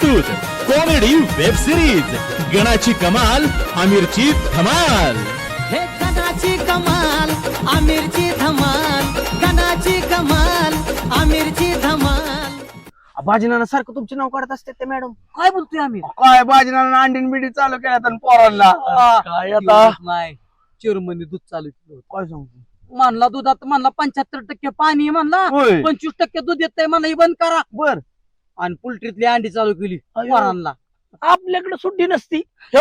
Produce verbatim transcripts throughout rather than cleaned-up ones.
प्रस्तुत comedy web series गणाची कमाल आमिरची धमाल। हे गणाची कमाल आमिरची धमाल, गणाची कमाल आमिरची धमाल। बाजीनाना सारखं तुमचे नाव काढत असते ते मॅडम। काय बोलतोय आम्ही? काय बाजीनाना अंडीन बिडी चालू केल्यात आणि पोरांना काय आता नाही चिरमनी दूध चालू केलं होतं. काय सांगतो म्हणला दुधात म्हणला पंच्याहत्तर टक्के पाणी आहे म्हणला, होय पंचवीस टक्के दूध येतंय म्हणला, ही बंद करा. बर आणि पोल्ट्रीतली अंडी चालू केली अयो. पोरांना. आपल्याकडे सुट्टी नसती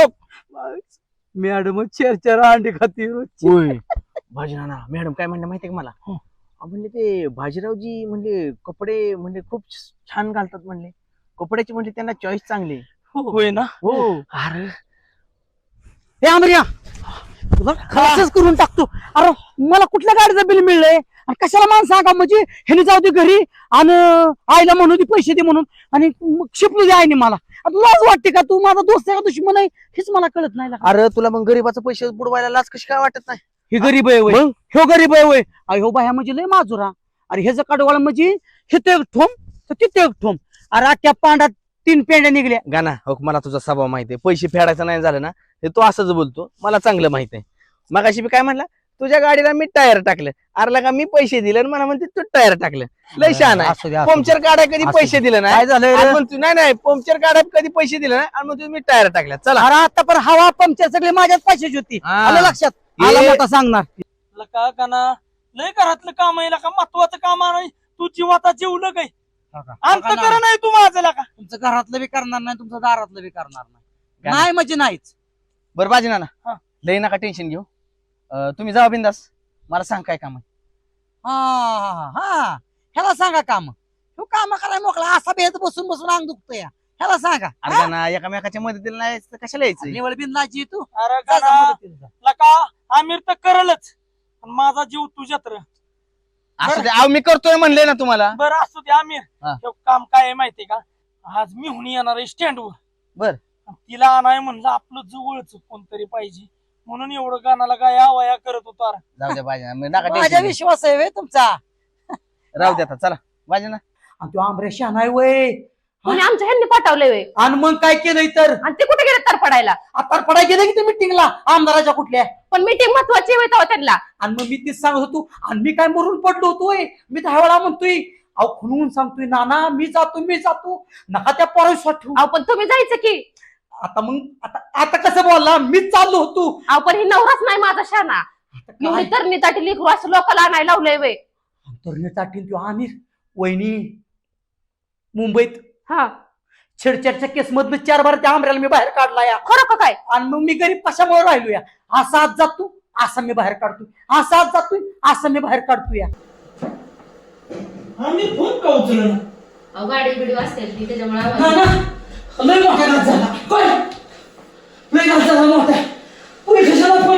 मॅडम चार चार अंडी खाती रोजची. होय बाजीनाना मॅडम काय म्हणले माहितीये का मला अहो, म्हणले ते बाजीरावजी म्हणले कपडे म्हणजे खूप छान घालतात म्हणले, कपड्याची म्हणजे त्यांना चॉईस चांगली होय ना? हो अरे हे आमर्या तुला खर्चच करून टाकतो. अरे मला कुठल्या गाडीचं बिल मिळलंय आणि कशाला मान सांगा, म्हणजे ह्याने जाऊ दे घरी आणि आईला म्हणू दे पैसे दे म्हणून आणि मग शिपलू दे आईने मला. आता लाज वाटते का? तू माझा दोस्त आहे का दुश्मन आहे हेच मला कळत नाही. अरे तुला मग गरीबाचं पैसे बुडवायला लाच कशी काय वाटत नाही? हे गरीब आहे वय, ह्यो गरीब आहे वय, ह्यो बाया म्हणजे लय माजुरा. अरे ह्याचं कडवाळ म्हणजे हिथे एक ठोम तर तिथे एक ठोम. अरे आख्या पांडात तीन पेंड्या निघल्या. गाना हो मला तुझा स्वभाव माहिती आहे, पैसे फेडायचं नाही झालं ना हे तू असंच बोलतो, मला चांगलं माहित आहे. मगाशी मी काय म्हणला तुझ्या गाडीला मी टायर टाकलं, अरे का मी पैसे दिले आणि मला म्हणते तू टायर टाकलं. लय शहाणा आहे. असू दे, असू दे. पंक्चर काढाय कधी असू पैसे दिले नाही काय झालंय आणि रे? म्हणतो, नाही नाही पंक्चर काढाय कधी पैसे दिले नाही आणि म्हणतो मी टायर टाकल्या. चला अरे आता पण हवा पंक्चर सगळे माझ्याच पैशाची होती. हा. आलं लक्षात? ये- आला मोठा सांगणार का गाना लय घरातलं काम आहे का महत्वाचं काम आहे. तू जीवाचा जीवलं काय अंत कर नाही तू माझं का तुमचं घरातलं बी करणार नाही, तुमचं दारातलं बी करणार नाही. नाही म्हणजे नाहीच. बरं बाजी ना हा. लय नका टेन्शन घेऊ, अं, तुम्ही जावा बिंदास, मला सांग काय काम आहे. हा हा हा ह्याला सांगा काम, ह्यो काम करायला मोकळा असा बेत बसून बसून अंग दुखतोय. ह्याला सांगा. अरे गाना एकामेकाच्या मदतीला नाही तर कशाला यायचं? निवड बिंदाची तू अरे जा जा गाना मदतीला जा. लका आमिर तर करलच पण माझा जीव तुझ्यात र. असं ते अहो, मी करतोय म्हणले ना तुम्हाला. बरं असू दे आमिर, हा. हे काम काय आहे माहितीये का? आज मी हुनी येणार आहे स्टँडवर. बर. तिला आणाय म्हणलं आपलं जवळच कोणतरी पाहिजे म्हणून एवढं गाण्याला काय आवाया करत होता. जाऊ द्या बाजी ना, नका माझ्या टेन्शन विश्वास आहे वे तुमचा. राहू द्या आता, चला बाजी ना. आणि तो आंबरेशा नाही वय. कोणी आमच्या ह्यांनी पाठवलंय व्हय. आणि मग काय केलंय तर आणि ते कुठे गेले तर पडायला? आता पडाय गेलं की ते मिटिंगला आमदाराच्या कुठल्या. पण मीटिंग महत्वाची होता त्यांना. आणि मग मी तीच सांगत होतो आणि मी काय मरून पडलो होतोय. मी दहा वेळा म्हणतोय अहो खुनवून सांगतोय नाना मी जातो मी जातो, नका त्या पोरास वाटू. अहो पण तुम्ही जायचं की. आता मग आता आता कसं बोलला, मीच चाललो होतो. अहो पण ही नवराच नाही माझा शाना. एवढी तर मी ताटी लिखू असं लोकांना आणायला लावलंय व्हय. अंतरण्यासाठी तो आमिर वहिनी मुंबईत हा छेडछाडच्या केस मधनं चार बार त्या आमऱ्याला मी बाहेर काढला या. खरं का काय? आणि मग मी गरीब कशामुळे राहिलो या. असा आज जातो असा मी बाहेर काढतोय, असा आज जातोय असं मी बाहेर काढतोय या. आमिर फोन का उचलना? अहो गाडी बिडी वाजते ती त्याच्यामुळे लय मोठा घात झाला. काय लय घात झाला मोठा. पोलीस स्टेशनला